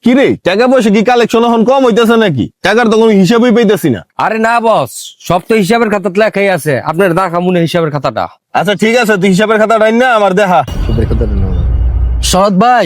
কি রে, টাকা পয়সা কি কালেকশন এখন কম হইতেছে নাকি? টাকার তো কোনো হিসাবই পাইতেছি না। আরে না বস, সব তো হিসাবের খাতাতে লেখাই আছে। আপনার দেখা মনে হিসাবের খাতাটা। আচ্ছা ঠিক আছে, তুই হিসাবের খাতা ডাইন না আমার দেখা। শরৎ ভাই,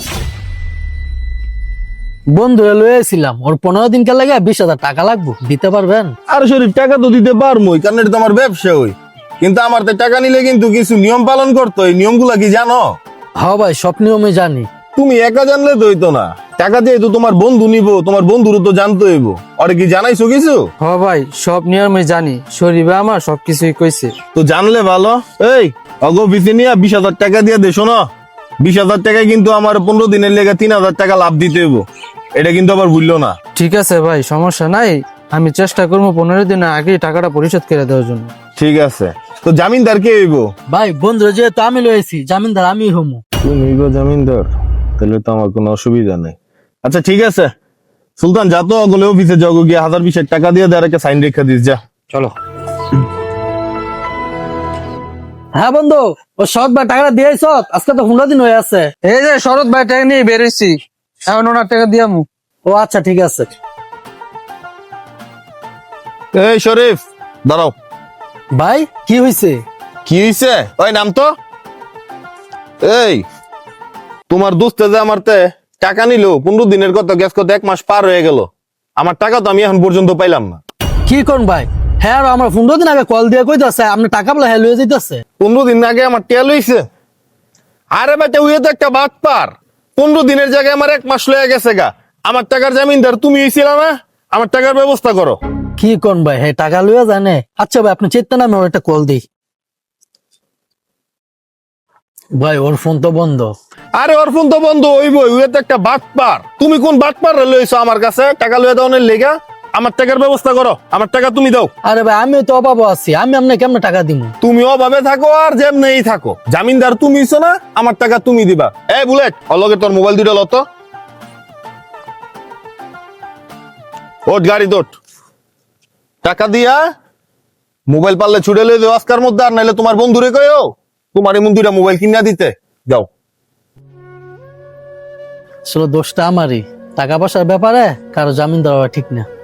বন্ধু লয়েছিলাম, ওর 15 দিন কে লাগে 20,000 টাকা লাগবে, দিতে পারবেন? আর শরীফ, টাকা তো দিতে পারবোই, কারণ এটা তো আমার ব্যবসা হই। কিন্তু আমার তো টাকা নিলে কিন্তু কিছু নিয়ম পালন করতে হয়। নিয়মগুলা কি জানো? হ্যাঁ ভাই, সব নিয়মে জানি। তুমি একা জানলে তো হইতো না। টাকা দিয়ে তো তোমার বন্ধু নিব, তোমার বন্ধুরও তো জানতে হইব। ওরে কি জানাইছো কিছু? হ ভাই, সব নিয়মে জানি। শরীফে আমার সবকিছুই কইছে। তো জানলে ভালো। এই অগো বিসি নিয়ে 20,000 টাকা দিয়ে দেশো না। 20,000 টাকায় কিন্তু আমার 15 দিনের লেগে 3,000 টাকা লাভ দিতে হইব। এটা কিন্তু আবার ভুললো না। ঠিক আছে ভাই, সমস্যা নাই। আমি চেষ্টা করবো 15 দিনের আগে টাকাটা পরিশোধ করে দেওয়ার জন্য। ঠিক আছে। তো জামিনদার কে হইব? ভাই বন্ধু যেহেতু আমি লয়েছি, জামিনদার আমি হমু। তুমি গো জামিনদার, তাহলে তো আমার কোনো অসুবিধা নেই। আচ্ছা ঠিক আছে, সুলতান যা তো অগলে অফিসে যাও, গিয়ে 1020 টাকা দিয়ে দেয় একটা সাইন রেখা দিস যা। চলো। হ্যাঁ বন্ধু, ও শরৎ ভাই টাকাটা দিয়েছ? আজকে তো 15 দিন হয়ে আছে। এই যে শরৎ ভাই টাকা নিয়ে বেরোইছি, এখন ওনার টাকা দিয়ামু। ও আচ্ছা ঠিক আছে। এই শরীফ দাঁড়াও। ভাই কি হয়েছে? কি হইছে? ওই নাম তো। এই তোমার দোস্তে যে আমার তে টাকা নিল 15 দিনের, কত গ্যাস কত 1 মাস পার হয়ে গেল। আমার টাকা তো আমি এখন পর্যন্ত পাইলাম না। কি কোন ভাই? হ্যাঁ আর আমার 15 দিন আগে কল দিয়ে কইতাছে আপনি টাকা বলে হ্যাঁ লয়ে যাইতাছে। 15 দিন আগে আমার টেল হইছে। আরে বেটা, ওই তো একটা বাদ পার। 15 দিনের জায়গায় আমার 1 মাস লয়ে গেছে গা। আমার টাকার জামিনদার তুমি হইছিল না? আমার টাকার ব্যবস্থা করো। কি কোন ভাই, হ্যাঁ টাকা লইয়া জানে? আচ্ছা ভাই আপনি চেতনা নামে ওর একটা কল দিই। ভাই ওর ফোন তো বন্ধ। আরে ওর ফোন তো বন্ধ হইবই, ওই তো একটা বাদ পার। তুমি কোন বাদ পার লইছো আমার কাছে টাকা লইয়া দাওনের লেগা? আমার টাকার ব্যবস্থা করো, আমার টাকা তুমি দাও। আরে ভাই আমিও তো অভাব আছি, আমি আপনাকে কেমনে টাকা দিব? তুমি অভাবে থাকো আর যেমনেই থাকো, জামিনদার তুমি হইছো না, আমার টাকা তুমি দিবা। এই বুলেট, অলগে তোর মোবাইল দুটো লত। ওঠ গাড়ি তোট। টাকা দিয়া মোবাইল পারলে ছুটে লই দেও আজকার মধ্যে, আর নাইলে তোমার বন্ধুরে কইও তোমার এমন দুইটা মোবাইল কিনা দিতে। যাও। আসলে দোষটা আমারই, টাকা পয়সার ব্যাপারে কারো জামিন দেওয়া ঠিক না।